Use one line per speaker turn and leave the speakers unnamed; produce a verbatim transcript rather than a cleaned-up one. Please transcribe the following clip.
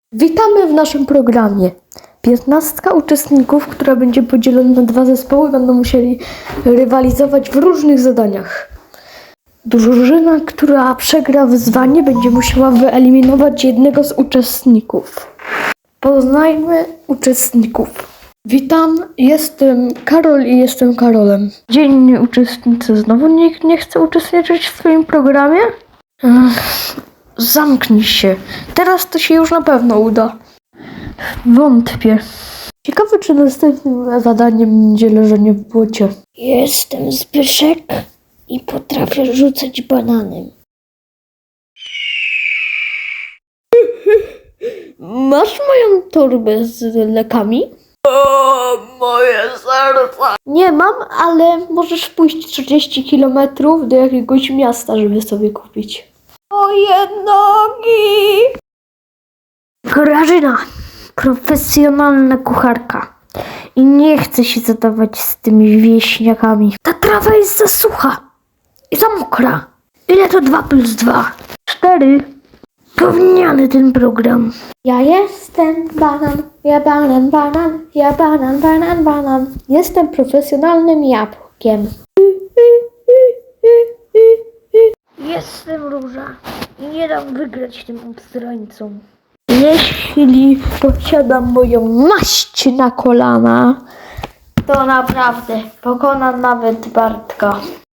Witamy w naszym programie. Piętnastka uczestników, która będzie podzielona na dwa zespoły, będą musieli rywalizować w różnych zadaniach. Drużyna, która przegra wyzwanie, będzie musiała wyeliminować jednego z uczestników. Poznajmy uczestników. Witam, jestem Karol i jestem Karolem. Dzienni uczestnicy, znowu nikt nie chce uczestniczyć w swoim programie? Ech, zamknij się. Teraz to się już na pewno uda. Wątpię. Ciekawe, czy następnym zadaniem będzie leżenie w błocie.
Jestem Zbyszek i potrafię rzucać bananem.
Masz moją torbę z lekami?
O, moje serce!
Nie mam, ale możesz pójść trzydzieści kilometrów do jakiegoś miasta, żeby sobie kupić.
Moje nogi!
Grażyna, profesjonalna kucharka. I nie chce się zadawać z tymi wieśniakami. Ta trawa jest za sucha i za mokra. Ile to dwa plus dwa? Cztery. Gówniany ten program.
Ja jestem banan, ja banan, banan, ja banan, banan, banan. Jestem profesjonalnym jabłkiem.
Jestem róża i nie dam wygrać tym obstrańcom. Jeśli posiadam moją maść na kolana, to naprawdę pokonam nawet Bartka.